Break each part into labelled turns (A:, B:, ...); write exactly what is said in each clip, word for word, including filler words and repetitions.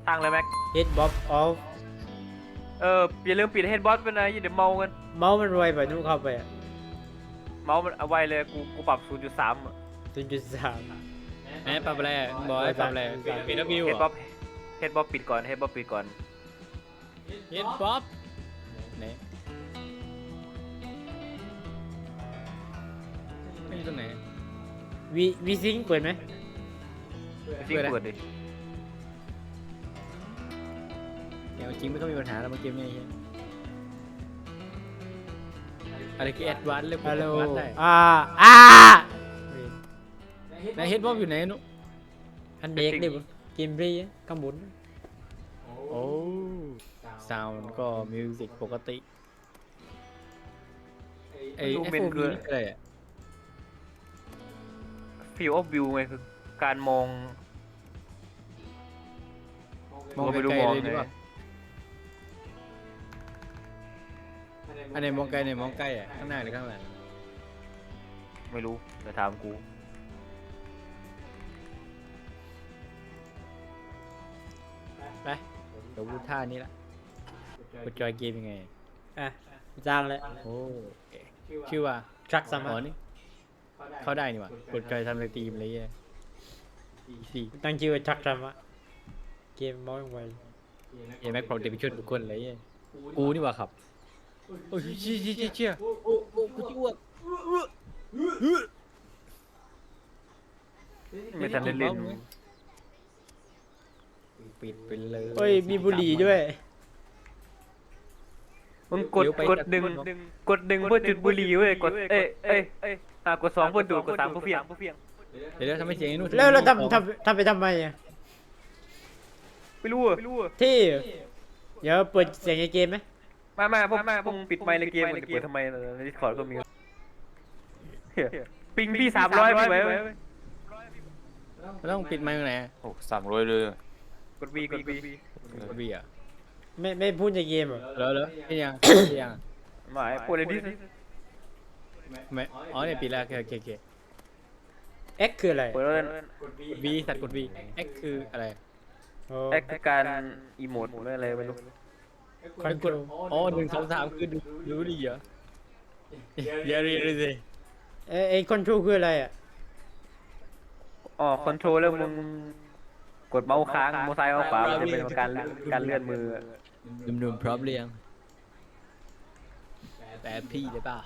A: ตั้งเลยแม็ก
B: hit bob off
A: เอออย่าลืมปิดเฮดบอสไปนะอย่าเดี๋ยวเมากัน
B: เมาส์มันรวยไปนู่นเข้าไปอ่ะ
A: เมาส์มันเอาไว้เลยกูกูปรับศูนย์จุดสาม
B: ศูนย์จุดสาม
C: แหมปรับอะไรบอกให้ปรับอะไรปิดแล้ววิว
A: เฮด
C: เหร
A: บ๊อ
C: อบ
A: เฮดบ๊อบปิดก่อนเฮดบ๊อบปิดก่อน
C: เฮ็ดบ๊อบไหนไม่อยู่ตรงไหน
B: วีวีซิงเปิดไหม
A: จริงเปิดดิ
C: เดี๋ยวจริงไม่ต้องมีปัญหาแล้วเมื่อกี้เนี่ยอะไรคือแอดวานซ์เลย
B: ฮัลโหล
C: วัดได้
B: อ่าอ่า
C: ไหนเฮ็ดบ๊อบอยู่ไหนนุ๊ก
B: อันเด็กดิบกิมบรีข้างบน
C: โอ้ซาวน์ก็มิวสิกปกติไอ้
A: ดู
C: ไอ้
A: เป็น
C: พวก
A: คือ
C: นี้อะไรอ่ะ
A: ฟิลออฟวิวไงคือการมอง
C: มอง
A: ไป
C: ไก
A: ดู
C: ล
A: มอง
C: ๆเลยดี
A: ไง
C: กว่าอันไหนมองไกลไหนมองใกล้อ่ะข้างหน้าหรือข้างหลัง
A: ไม่รู้แต่ถามกู
C: ไปเดี๋ยวพูดท่านี้ละกดจอยเกมยังไง
B: อ่ะจ้างเลย
C: โอ้ชื่อว่า
B: ทรัคสา
C: อ๋
B: มา
C: อนี่เข้าได้นี่หว่ะกดจอยทำในทีมอะไรเงี้ยสี่
B: ตั้งชื่อว่าทรัคสามาเกมเมาส์ไว
C: เอ็มแม็กพร้อมจะไปช่วยทุกคนอะไรเงี้ยกูนี่หว่าครับโอ้ยเชี่ยเชี่ยเชี่ยเชี่ยโอ้โอ้กูจะอ้วก
A: ไม่ทันได้เล่น
C: ปิดไปเลย
B: เฮ้ยมีบุหรี่ด้วย
A: มึงกดกดดึงกดดึงเพื่อจุดบุหรี่เว้ยกดเอ้ยเอ้ยเอ้ยอ่ะกดสองเพื่อดูดกดสามเพื่อเพียง
C: เดี๋ยวเดี๋ยวทำให้เสียงไอ้นู่น
B: แล้วเราทำทำทำไปทำไมอ่ะ
A: ไม่รู้อ่ะไม่รู้อ่ะ
B: ที่เดี๋ยวเปิดเสียงในเกมไหม
A: มามาพวกพวกมึงปิดไมค์ในเกมมึงจะเปิดทำไมในดิสคอร์ดก็มีเหี้ยปิงพี่สามร้อยพี่ไว้ไว้
C: เราต้องปิดไมค์ตรงไหน
D: โอ้สามร้อยเลย
A: กดวีกดวี
C: กดวีอ่ะ
B: ไม่ไม่พูดในเกมเหรอ
C: แล้วแล้วไม่ยังไม่ยัง
A: หมายพูดในดิส
C: ไม่อ๋อเนี่ยปิดแล้วโอเคโอเคโอเค
B: เอ็กคืออะไร
A: เปิดแล้ว
C: วีสัตว์กดวี X คืออะไร
B: โอ้
A: แอคการอีโมดหรืออะไรไม่รู้
B: คอนโทรล
C: อ๋อหนึ่งสองสามคือดูรู้ดีเหรอเดี๋ยวเรียนเลยสิ
B: เอ้ยไอ้คอนโทรลคืออะไรอ่ะ
A: อ๋อคอนโทรลแล้วมึงกดเมาส์ค้างเมาส์ซ้ายเมาส์ขวามันจะเป็นการการเลื่อนมือ
C: หนุ่มๆพร้อมเรียงแต่พี่ได้ป่ะ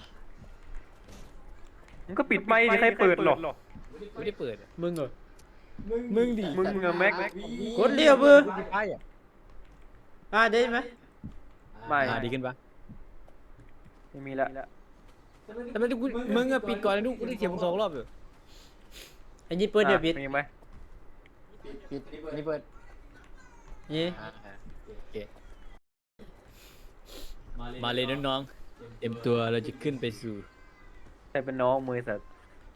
A: มึงก็ปิดไมค์ดิใครเปิดหรอก
C: ไม่ได้เปิด
B: มึงเหรอ
C: มึงดิ
A: มึงอะแม็ก
B: กดเรียวมือ
C: ใช่อ่ะ
B: อ่าได้ไหม
A: ไม่
C: อ่าดีขึ้นปะ
A: ไม่มีละ
C: แต่ไม่ได้กูมึงอะปิดก่อนนะลูกกูได้เสียงมึงสองรอบอยู่
B: อันนี้เปิดเดี๋ยวบิด
A: มีไหม
C: ปิดนี่เปิด
B: นี่
C: โอเคมาเลยน้องๆเตรียมตัวเราจะขึ้นไปสู่
A: ใครเป็นน้องมือสัตว์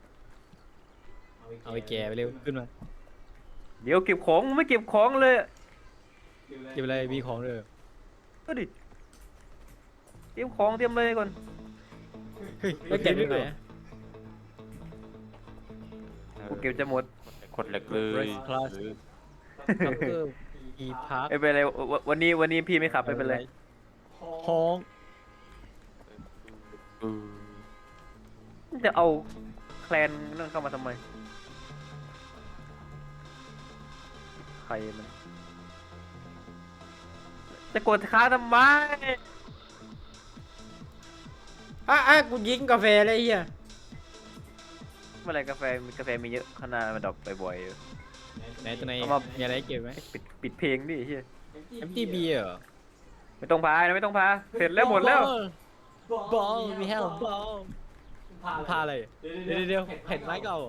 C: เอาไปแก่ไปเร็วขึ้นมา
A: เดี๋ยวเก็บของมึงไม่เก็บของเลย
C: เก็บอะไรมีของเลย
A: ก็ดิเตรียมของเตรียมเลยก่อน
C: เฮ้ย
B: แล้วเก็บยังไงอะ
A: กูเก็บจะหมด
D: กดเหล็กเลย
C: คลาสคัพเตอร์อีพาร์ค
A: ไม่เป็นไรวันวันนี้วันนี้พี่ไม่ขับไม่เป็นไร
C: ห้อง
D: เออ
A: จะเอาแคลนนั่นเข้ามาทำไมใครมันจะกดค้างทำไม
B: อ่ะอ่ะกูยิงกาแฟเลยไอ้เฮีย
A: เมื่อไหรกาแฟมีกาแฟมีเยอะขนาดมันดรอปบ่อยๆอยู่
C: ไหนตัวไหน
A: เอามา
C: มีอะไรให้เก็บไหม
A: ปิดปิดเพลงดิเฮีย
C: เอ็มทีบีเหรอ
A: ไม่ต้องพานะไม่ต้องพาเสร็จแล้วหมดแล้ว
C: บอลมีแฮลบอลพาอะไรเดี๋ยวเดี๋ยวเห็นไม้เก่า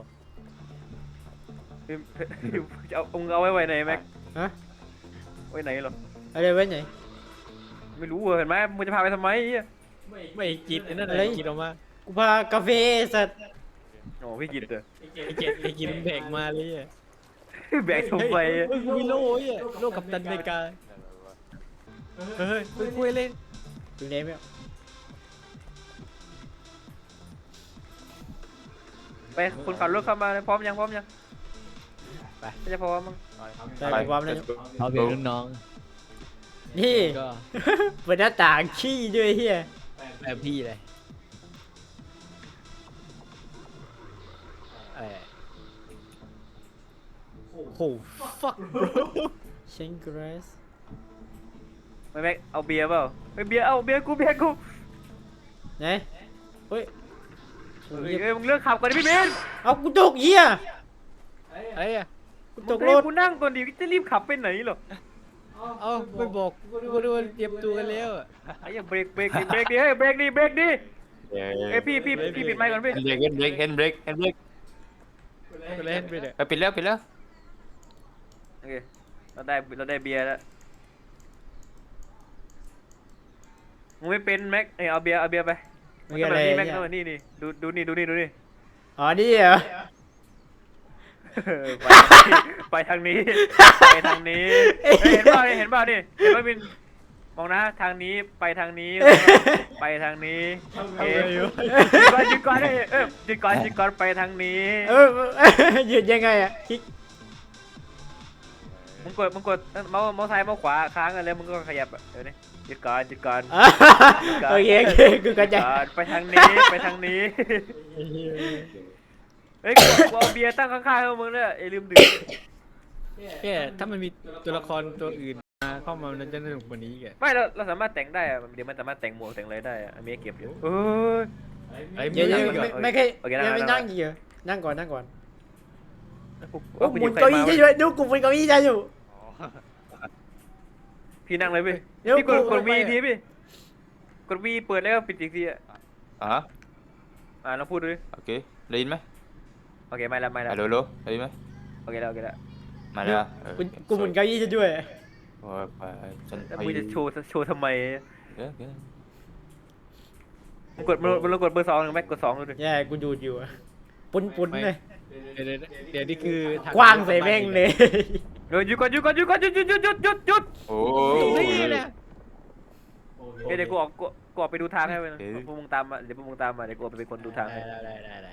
A: จะเอาองเอาไว้ไว้ไหนแม็ก
B: ฮะ
A: ไว้ไหนหรอ
B: อะไรไว้ไหน
A: ไม่รู้เห็นไหมมึงจะพาไปทำไมเฮีย
C: ไม่กินไอ้นั่น
B: อะไร
C: กินออกมา
B: กูพากาแฟสัตว์
A: โอ้พี่กินเถอะ
C: ไอ้เจ็ดไอ้กินแบกมาเลยอ่ะ
A: แบกทำไม
C: เฮ้ยมีโล่อ่ะโล่กับตันอเมริกาเฮ้ยเฮ้ยคุยเล่น
B: ดูเนมไม่เอา
A: ไปคนขับรถเข้ามาเลยพร้อมยังพร้อมยังไม่จะพอมั้ง
B: ได้กูพร้อมแล้ว
C: เอาเป็นรุ่นน้อง
B: นี่
C: ก็
B: เปิดหน้าต่างขี้ด้วยเฮีย
C: แบบพี่เลยอะไรอะโห fuck bro
B: เชงกรส
A: ไม่แม็กเอาเบียร์เปล่าเฮ้ยเบียร์เอาเบียร์กูเบียร์กู
B: ไหนเฮ้ยโอ้
A: เฮ้
B: ย
A: ยเอ้ยมึงเลือกขับก่อนดิพี่เบน
B: เอากูตกเฮีย
C: อะไรอะ
B: กู
A: ต
B: ต
A: ก
B: ก
A: ร
B: ร
A: ถ
B: ถ
A: กูนั่งก่อนดิจะรีบขับไปไหนเหรอ
C: เอาไม่บอกกูดูเตรียมตัวกันแล้วอะ
A: ไอ้เหี้ยเบรกเบรกดิเบรกดิเฮ้ยเบรกดิเบรกดิ
D: เอ้
A: เอ้ยพี่พี่พี่ปิดไมค์ก่อนพี่
D: เฮนเบรกเฮนเบรกเฮนเบรกเฮนเบรก
C: ไปเล่นไปเลย
D: ไปปิดแล้วปิดแล้ว
A: โอเคเราได้เราได้เบียร์แล้วมึงไม่เป็นแม็กเอ้ยเอาเบียร์เอาเบียร์ไป
B: มึงอะไร
A: นี่แม็ก
B: เนี่ย
A: ต้องนี่นี่ดูดูนี่ดูนี่ดูนี่
B: อ๋อนี่เหรอ
A: เออไปไปทางนี้ไปทางนี้เฮ้ยเห็นเปล่าเห็นเปล่านี่เห็นป่ะมินมองนะทางนี้ไปทางนี้ไปทางนี้เอ๊ะหยุดก่อนหยุดก่อนเอ้ยเออหยุดก่อนหยุดก่อนไปทางนี้
B: เออหยุดยังไงอะคลิก
A: มึงกดมึงกดเมาส์เมาส์ซ้ายเมาส์ขวาค้างกันแล้วมึงก็ขยับอ่ะเดี๋ยวนี้หยุดก่อนหยุดก่อน
B: อ่ะโอเคโอเคกูเข้าใจ
A: หยุดก่อนไปทางนี้ไปทางนี้เฮ้ยกูกูเอาเบียร์ตั้งข้างๆให้มึงด้วยไอ้ลืมดื่ม
C: แค่ถ้ามันมีตัวละครตัวอื่นมาเข้ามามันจะสนุกกว่านี้แก
A: ไม่เราเราสามารถแต่งได้อะเดี๋ยวมันสามารถแต่งหมวกแต่งอะไรได้อะอันนี้เก็บอยู่เออ
C: ไอ้
B: เดี๋ยว
C: มึ
B: เดี๋ยว
C: ง
B: ไม่
C: อะ
B: ไม่เคย
A: โอเค
B: ยังไม่
A: นั่
B: นั่
A: ง
B: งอยู่นั่งก่อนนั่งก่อน
A: กู
B: โอ้
A: กู
B: หมุน
A: ใคร
B: เก้าอี้
A: ม
B: ได้
A: วะ
B: ด้วยดูกูหมุนเก้าอี้ได้อยู่
A: พี่นั่งเลยพี่
B: เดี๋ยว
A: พี่กด
B: กู
A: กด
B: ไป
A: วีทีพี่กดวีเปิดแล้วก็ปิดอีกทีอ่ะ
D: อ่ะ
A: อ่าลองพูดดูดิ
D: โอเคได้ยินไหม
A: โอเคไม่ละไม่ละ
D: ฮัลโหลฮัลโหลได้ยินไหม
A: โอเคแล้วโอเคแล้ว
D: มาแล้วเออ
B: กูกูหมุนเก้าอี้ได้ด้วย
D: โอ้ยไปฉัน
A: แล้ว
D: ไป
A: มึงจะโชว์โชว์ทำไม
D: เดี๋ยวเดี๋ยว
A: มึงกดมึงมึงลองกดเบอร์สองหนึ่งไหมกดสองดูดิ
B: แย่กูดูดอยู่อะปุ้นปุ้นเลย
C: เดี๋ยวเดี๋ยวเดี๋ยวนี่คือท
B: กว้างใส่แม่งเลย
A: เดี๋ยวหยุดก่อนหยุดก่อนหยุดก่อนหยุดหยุดหยุดหยุดหยุดหยุด
D: โอ้
C: ตรง
D: ย
C: นี้นะ
A: เดี๋ยวเดี๋ยวกูออกกูกูออกไปดูทางให้มันพวกมึงตามมาเดี๋ยวพวกมึงตามมาเดี๋ยวกูออกไปเป็นคนดูทางให้
C: ได้ได้ได้ได้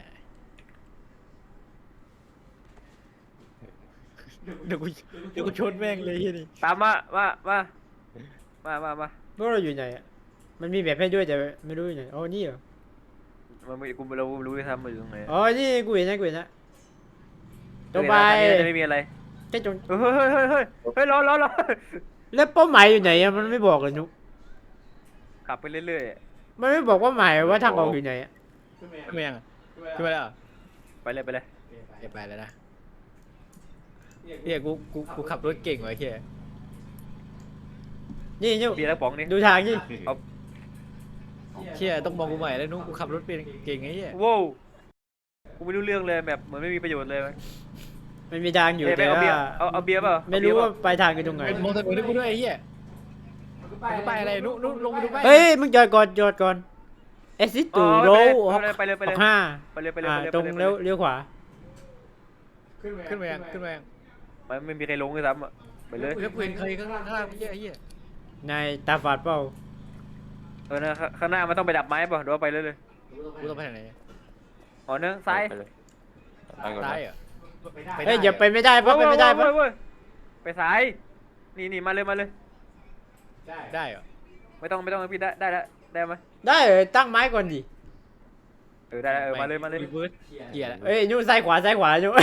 C: เดี๋ยวกูเดี๋ยวกูชนแม่งเลยที่นี่
A: ตามมามามามามามา
B: พวกเราอยู่ไหนอะมันมีแบบให้ด้วยแต่ไม่รู้อยู่ไหนอ๋อนี่เหรอ
A: มันไม่กูเรารู้ที่ทำมาอยู่ตรงไหน
B: อ๋อนี่กูเห็นนะกูเห็นนะตรงไป
A: จะไม่มีอะไร
B: แค่ตรง
A: เฮ้ยเฮ้ยเฮ้ยเฮ้ยเฮ้ยรอรอรอ
B: แล้วเป้าหมายอยู่ไหนอะมันไม่บอกเลยนุก
A: ขับไปเรื่อย
B: มันไม่บอกว่าหมายว่าทางออกอยู่ไหนอะ
C: ขึ้นมายังอะขึ้นมาแล้วเหรอ
A: ๆไปเลยไปเลย
C: เดี๋ยวไปแล้วนะเฮียกูกูกูขับรถเก่งว่ะไอ้เฮีย
B: นี่นุก
A: เบียร์แล้วป๋องนี่
B: ดูทางนี่
A: เอา
C: เชี่ยต้องมองกูใหม่แล้วนุ๊กกูขับรถเป็นเก่งไอ้เฮีย
A: โว้วกูไม่รู้เรื่องเลยแบบเหมือนไม่มีประโยชน์เลยไหม
B: มันมีทางอยู่
A: เอ้ยไป
B: แต่
A: เอาเบีย
B: ว่า
A: ร์เอาเอาเบียร์เปล่า
B: ไม่รู้ว่าปลายทางคือตรงไหน
C: เป็นมองถนนให้กูด้วยไอ้เฮียมันก็ไปอะไรนุ๊กนุ๊กลงไปดูไป
B: เฮ้ยมึงจอดก่อนจอดก่อนเอซิตูโร
A: ไปเลยไปเลยไป
B: อ
A: เล
B: อย กห้า
A: ไปเลยไปเลย
B: อ่า
A: ไปเลย
B: ตรงเลี้ยวเลี้ยวขวา
C: ขึ้นมายังขึ้นมายัง
A: มันไม่มีใครลงเลยซ้ำอ่ะไปเลย
C: แล้วเพื่อนเคยข้างล่างข้างล่างไอ้เฮียไอ้เฮีย
B: นายตาฝาดเปล่า
A: เออนะข้างหน้ามันต้องไปดับไม้ป่ะเดี๋ยวไปเลยเลย
C: กูต้องไปทางไหน
A: อ๋อเนื้อซ้าย
D: ไปเลยไปก่อน
C: ซ้าย
D: นะ
C: เหรอ
B: เฮ้ยอย่าไปไม่ได้เพราะไปไม่ได้เพ
A: เว้
B: ราะ
A: ยเว้ยไปซ้ายนี่นี่มาเลยมาเลย
C: ได้เหรอ
A: ไม่ต้องไม่ต้องพี่ได้ได้แล้วได้ไหม
B: ได้เออตั้งไม้ก่อนดิ
A: เออได้เออมาเลยมาเลย
C: รีเวิร์สเกียร์แล้ว
B: เอ้ยนู่นซ้ายขวาซ้ายขวานู่น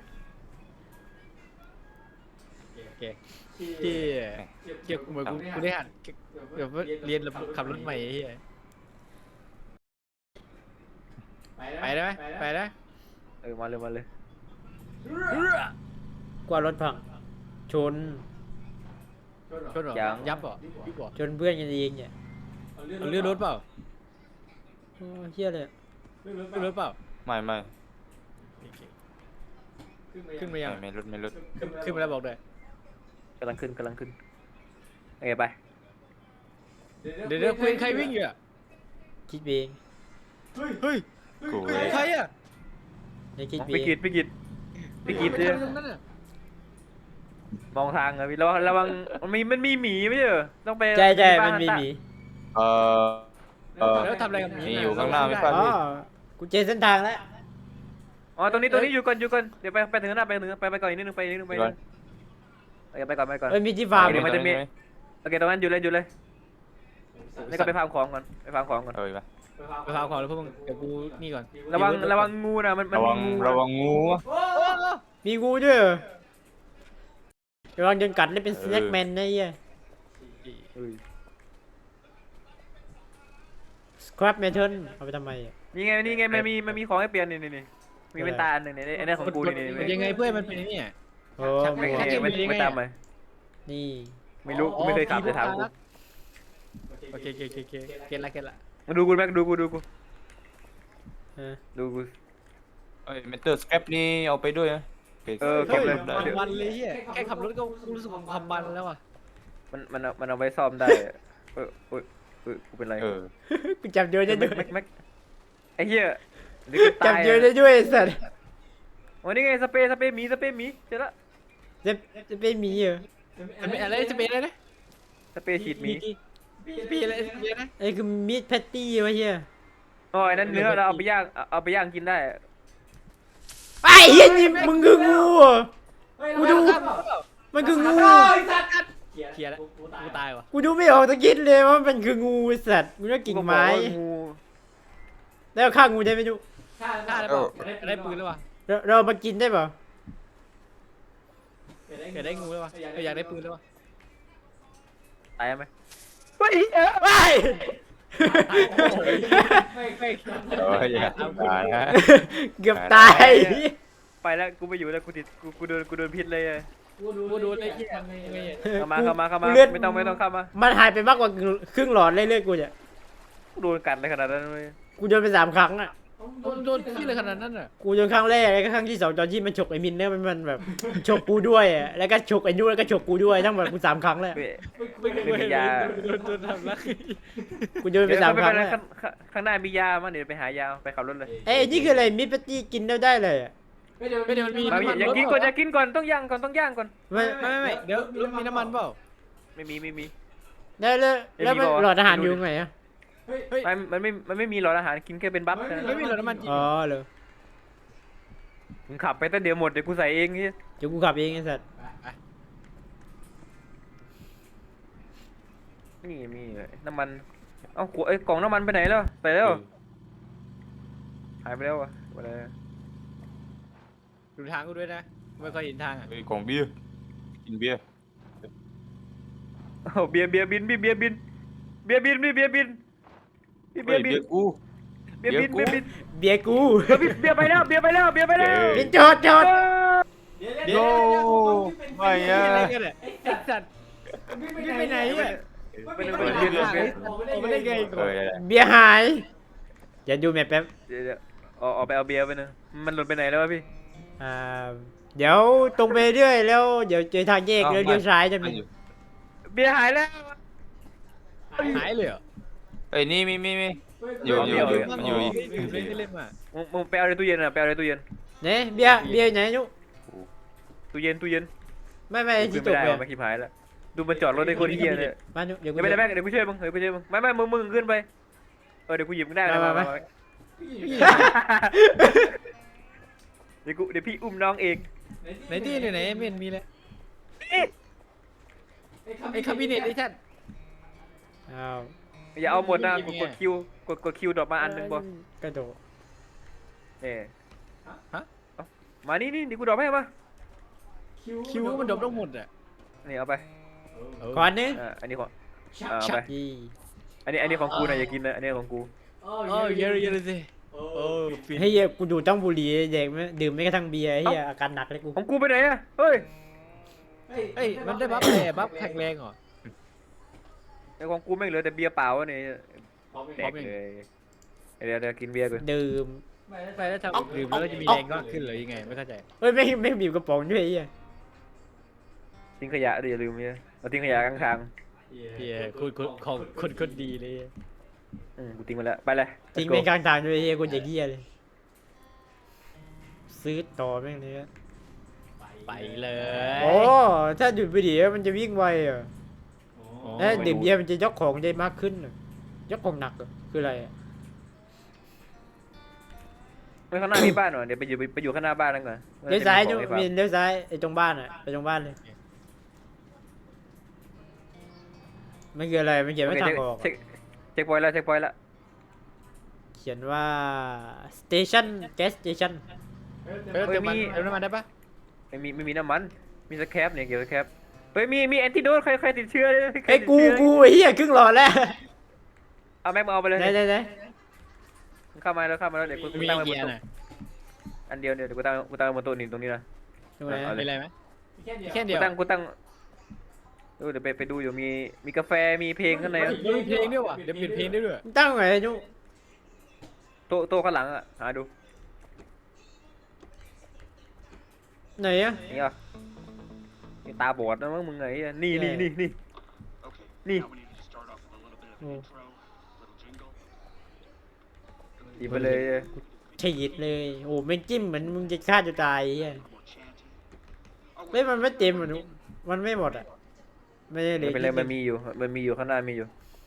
C: โอเคที่เกี่ยวเหมือนกูกูได้หัดเดี๋ยวเรียนขับรถใหม่ไอ้เฮียไปได้ไหมไปได้
A: เออมาเลยมาเลย
B: กว่ารถพังชน
C: ชนเหรอยับเหรอยุบเหรอ
B: ชนเพื่อนกันเองเนี่ย
C: เอาเลื่อนรถเปล่า
B: โอ้เฮียเลย
C: เลื่อนรถเปล่า
D: ไม่ไม่
C: ขึ้นมายัง
D: ไม่ไม่รถไม่รถ
C: ขึ้นขึ้นมาแล้วบอกด้วย
A: กำลังขึ้นกำลังขึ้นโอเคไป
C: เดี๋ยวเดี๋ยวคุยใครวิ่งอยู่อ่ะ
B: คิดเอง
C: เฮ้ย
D: กูเว้ย
C: ใครอ่ะ
B: ในคิด
A: ไป
B: เอง
A: กิดไปกิดไปกิด
C: เล
A: เลย ย
C: ตรงนั้นอ่ะ
A: มองทางอะพี่ระวังระวังมันมีมันมีหมีไม่ใช่เหรอต้องไป
B: ใช่ใช่
A: บ้า
B: มันมีหมี
D: เออเออ
C: แล้วทำอะไรกับหมี
D: มีอยู่ข้างหน้าไม่
B: อ๋
D: ป่ะ
B: อกูเจอเส้นทางแล้ว
A: โอ๋อตรงนี้ตรงนี้อยู่ก่อนอยู่ก่อนเดี๋ยวไปไปถึงหน้าไปถึงไปไปก่อนอีกนิดนึงไปอีกนิดนึงไปอีกนิดนึงเออไปก่อนไปก่อน
B: เอ้ยมีที่ฟาร์ม
A: เดี๋ยวมันจะมี
D: ตรงไห
A: โอเคตรงนั้นอยู่เลยอยู่เลยนี่ก็ไปฟาร์มของก่อนไปฟาร์มของก่อน
D: เออไป
C: ไปฟาร์มของแล้วพวกมึงเดี๋ยวกูนี่ก่อน
A: ระวังระวังงูนะมันมัน
D: ระวัง
A: มีงู
D: ระวังงู
B: มีงูด้วยเหรอระวังโดนกัดได้เป็นสแน็คแมนนะเหี้ยสครับเมทัลเอาไปทำไมอ่ะ
A: นี่ไงนี่ไงมันมีมันมีของให้เปลี่ยนนี่นี่นี่มีเป็นตาอันหนึ่งนี่ไอ้นี่ของกูนี่นี่
C: มันยังไงเพื่อนมันเป็นไอ้เนี่ย
B: โอ้
A: ไม่
B: โห
A: ไม่ไม่ไม่ตามไป
B: นี่
A: ไม่รู้กูไม่เคยขับเลยถามกู
C: โอเคโอเคโอเคโอเคเก็ตละเก็ตละ
A: มาดูกูแม็กดูกูดูกู
B: เออ
A: ดูกู
D: เอ้ยเมทัลสแครปนี่เอาไปด้วยนะโค
A: เออเก็บเลย
D: ได้
C: ความมันเลยเฮียแค่ขับรถก็กูรู้สึกว่าความมันแล้วอ่ะ
A: มันมันเอามันเอาไว้ซ่อมได้อะเออเออเออกูเป็นไร
D: เออ
B: กูจับโยนได้
A: แม็
B: ด้
A: ก
B: วย
A: แม็กแม็กไอ้เหี้ยนี่กู
B: จั
A: ตา
B: บ
A: ย
B: โยน
A: อะ
B: ได้ด้วยไอ้สัตว์
A: วันนี้ไงสเปรย์สเปรย์หมีสเปรย์หมีเจอละ
B: จะจะเป็นหมีเหรอ
C: มันเป็นอะไรจะเป็นอะไรนะ
A: สเปรย์ฉีดหมี
C: ปีอะไรปีอะไรนะ
B: ไอ้คือมีดแพตตี้วะเฮีย
A: อ๋อไอ้นั่นเนื้อเราเอาไปย่างเอาเอาไปย่างกินได้
B: ไอ้เฮียนี่มึงคืองูเหรอกูดูมันคืองู
C: เคลียร์แล้วกูตายวะ
B: กูดูไม่ออกตะกิดเลยว่ามันคืองูไอ้สัตว์กูนึกว่ากิ่งไม้
A: กูบอกว่างู
B: แล้วฆ่างูได้ไหมดู
C: ได้แล้วเปล่าได้ปืนแล้ววะ
B: เราเรามากินได้เปล่า
C: เกิดได้งูแล้ววะอยากได้ปืนแล้ววะ
A: ตายไหม
B: ไปไป
D: เอออย่าตายนะ
B: เกือบตาย
A: ไปแล้วกูไม่อยู่แล้วกูติดกูกูโดนกูโดนพิษเลยอะ
C: กูดูเลยเฮียยังไง
A: เข้ามาเข้ามาเข้ามา
B: กูเลือด
A: ไม่ต้องไม่ต้องเข้ามา
B: มันหายไปมากกว่าครึ่งหลอดเลยเลือดกูเนี่ย
A: กูโดนกัดเลยขนาดนั้นเลย
B: กูโดนไปสามครั้งอ่ะ
C: โดนโดนที่เลยขนาดนั้นอ่ะ
B: กูโดนครั้งแรกแล้วก็ครั้งที่สองตอนที่มันฉกไอ้มินเนี่ยมันมันแบบฉกกูด้วยอ่ะแล้วก็ฉกไอ้นู่นแล้วก็ฉกกูด้วยทั้งหมดกูสามครั้งแล้ว
A: ไม่
C: ไม่
A: ไม่มียา
C: โดนโดนทำร้าย
B: กูโดนไป
A: เดี๋ยว
B: สาม
A: ไม่
B: ครั้
A: เป็น
B: ง
A: ไร
B: แล้ว
A: ข้างข้างข้างหน้ามียามั้งเดี๋ยวไปหายาไปขับรถเลย
B: เอ้ยนี่คืออะไรมิตรปาร์ตี้กินได้ได้เลยอ่ะ
C: ไม่เดี๋ยวไม่เดี๋ยวมันมี
A: มาอย่ากินก่อนอย่ากินก่อนต้องย่างก่อนต้องย่างก่อน
B: ไม่
C: ไม่ไม่ไม่เดี๋ยวรถมีน้ำมันเปล่า
A: ไม่มีไม่มี
B: แล้วแล้วแล้วมันหลอดอาหารอยู่ไงอ่ะ
C: เฮ้ย
A: มันมันไม่มันไม่มีหลอดอาหารกินแค่เป็นบัฟ
C: ไม่มีรถน้ำมันจริง
B: อ๋อเหรอ
A: มึงขับไปแต่เดี๋ยวหมดเดี๋ยวกูใส่เองนี่
B: เดี๋ยวกูขับเองไอ้สัตว์
A: นี่มีน้ำมันเอ้าขวดไอ้กล่องน้ำมันไปไหนแล้วไปแล้วหายไปแล้วอะอะไร
C: ดูทางกูด้วยนะไม่ค่อยเห็นทางอ่ะ
D: เฮ้ยของเบียร์กินเบียร์
A: โอ้เบียร์เบียร์บินพี่เบียร์บินเบียร์บินพี่เบียร์บินพี่เบี
D: เฮ้
A: ย
D: ย
A: ร์บิน
D: เบียร์กู
A: เบียร์บิน
D: เบี
A: เบีย
D: ยร์
A: ร์
D: กู
A: บิน
B: เบียร์กู
A: เบียร์ไปแล้วเบียร์ไปแล้วเบียร์ไปแล้ว
B: บินจอดจอด
D: โย่ไม่
C: นี่
D: อะ
C: อะไรกันเนี่ยไอ้สัตว์วิ่งไปไหนอ่ะ
A: ไปเลย
C: ไม่
A: ไป
C: ได้
A: เลย
C: ไง
A: ไปเลย
C: โอ้ไม่ได้ไง
D: เอ
C: ก่อน
D: อได้
B: เบียร์หายอย่าดูแมปแป๊บ
A: เดี๋ยวเดี๋ยวเอาเอาไปเอาเบียร์ไปนะมันหล่นไปไหนแล้ววะพี่
B: อ่าเดี๋ยวตรงไปเรื่อยแล้วเดี๋ยวเจอทางแยกแล้วเลี้ยวซ้ายจะ
D: มั
B: มี
D: นอยู่
A: เบียร์หายแล้ว
C: หายเลยเหรอ
D: เอ้ยนี่มีมีมีอยู่อยู่อยู่มันอยู่อีก
C: เล่นเล่นมา
A: มึงมึงไปเอาในตู้เย็นอะไปเอาในตู้เย็น
B: เนี่ยเบียร์เบียร์ไหนนุ
A: ตู้เย็นตู้เย็น
B: ไม่ไม่
A: กู
B: ที่
A: ขึ้น
B: จ
A: ไม่
B: บ
A: ได้
B: เลย
A: ว่ะไม่ขี้พายแล้วดูมันจอดรถในคนเฮียเลย
B: มานุเดี๋ยวกู
A: เดี๋ยวไม่ได้แม่เดี๋ยวกูช่วยมึงเดี๋ยวกูช่วยมึงไม่ไม่มึงมึงขึ้นไปเออเดี๋ยวกูหยิบมึงได้เลยมามาเดี๋ยวกูเดี๋ยวพี่อุ้มน้องเอง
C: ไหนที่ไหนไหนไม่เห็นมีเลยไอ้คาบิเนตไอ้ท่าน
B: อ้าว
A: อย่าเอาหมดนะกดกดคิวกดกดคิวดรอปมาอันหนึงบ่
B: กระโดด
A: เนี่ย
C: ฮะ
A: มานี่นี่เดี๋ยวกูดรอปให้มา
C: คิวมันดบต้องหมดอ่ะ
A: นี่เอาไป
B: ก่อนนึง
A: อ่าอันนี้ของอ่าเอาไป
B: อี
A: อันนี้อันนี้ของกูนะอย่ากินนะอันนี้ของกู
C: โอ้เยอะเยอะเลยสิโอ้ฟิน
B: เฮ้ยกูดูดต้องบุหรี่แดกไม่ดื่มไม่กระทั่งเบียร์เฮียอาการหนักเลยกู
A: ของกูไปไหนอะเฮ้ย
C: เฮ้ยมันได้บัฟอะไรบัฟแข็งแรงเหรอ
A: ไอ้ของกูไม่งเหลือแต่เบียร์เปล่าวะเนี่ยแดกเลยเดี๋ยวเดี๋ยวกินเบียร์ก่อน
B: ดื่ม
C: ไปแล้วทำดื่มแล้วจะมีแรงก็ขึ้นเลยยังไงไม่เข้าใจ
B: เฮ้ยไม่ไม่บีบกระป๋องด้วยเฮีย
A: ทิ้งขยะดิอย่าลืมเนี่ยเราทิ้งขยะข้างทาง
C: พี่คุณคุณของคนคนดีเลย
A: อืมกูทิ้งไปแล้วไปเลย
B: ทิ้งไปกลางทางด้วยเฮียกูจะเฮียเลยซื้อต่อแม่งเลย
C: ไปเลย
B: โอ้ถ้าดูดบุหรี่มันจะวิ่งไวอ่ะถ้าดื่มเบียร์มันจะยกของได้มากขึ้นยกของหนักคืออะไร
A: ไปข้างหน้ามีบ้านหน่อยเดี๋ยวไปอยู่ไปอยู่ข้างหน้าบ้านนั่นก่อน
B: เลี้ยวซ้าย
A: จะ
B: จุ
A: มีของให้
B: มี
A: ฟัง
B: เลี้ยวซ้ายไอ้ตรงบ้านอ่ะไปตรงบ้านเลยมันคืออะไรมันเขียนว่าทางออก
A: เช็คเช็คพอยต์แล้วเช็คพอยต์แล้ว
B: เขียนว่า station gas station
C: เออเติมมันเติมน้ำมันได้ปะ
A: ไม่มีไม่มีน้ำมันมีสแครปเนี่ยเกี่ยวกับสแครปเฮ้ยมีมีแอนติโดดใครใครติดเชื้อเลยใคร
B: ไอ้ย
A: ติด
B: กู
A: เชื้อ
B: กูไอ้เหี้ยครึ่งหลอดแล้ว
A: เอาแม็กมาเอาไปเลย
B: ได้ได้ได้
A: เข้ามาแล้วเข้ามาแล้วเดี๋ยวกู
C: มี
A: ตั้งไว้บ
C: เกี
A: น
C: ยร์
A: โต๊ะ
C: น่ะ
A: อันเดียวเดี๋ยวกูตั้งกูตั้งไว้บนโต๊ะนี่ตรงนี้นะ
B: ตรงไหน
A: เอา
C: เป็นไรไหมแค่
A: กู
C: เดียว
A: ตั้งกูตั้งเออเดี๋ยวไปไปดูอยู่มีมีกาแฟมีเพลงข้างใน
C: เฮ้ยมีเพลงด้วยว่ะเดี๋ยวเปลี่ยนเพลงได้ด้วย
B: ตั้งไงไอ้จุ
A: โต๊ะโต๊ะข้างหลังอ่ะหาดู
B: ไหนอะ
A: นี่อ่ะนี่ตาบอดนะมั้งมึงไงอ่ะนี่นี่นี่นี่นี่
B: โอ้
A: หยิบไปเลย
B: ฉีดเลยโอ้ไม่งจิ้มเหมือนมึงจะฆ่าตัวตายไอ้เหี้ยเฮ้ยมันไม่เต็มอ่ะนุมันไม่หมดอ่ะไม่ได้เหล
A: ไม่
B: ย
A: เป็นไรมันมีอยู่มันมีอยู่ข้างหน้ามีอยู่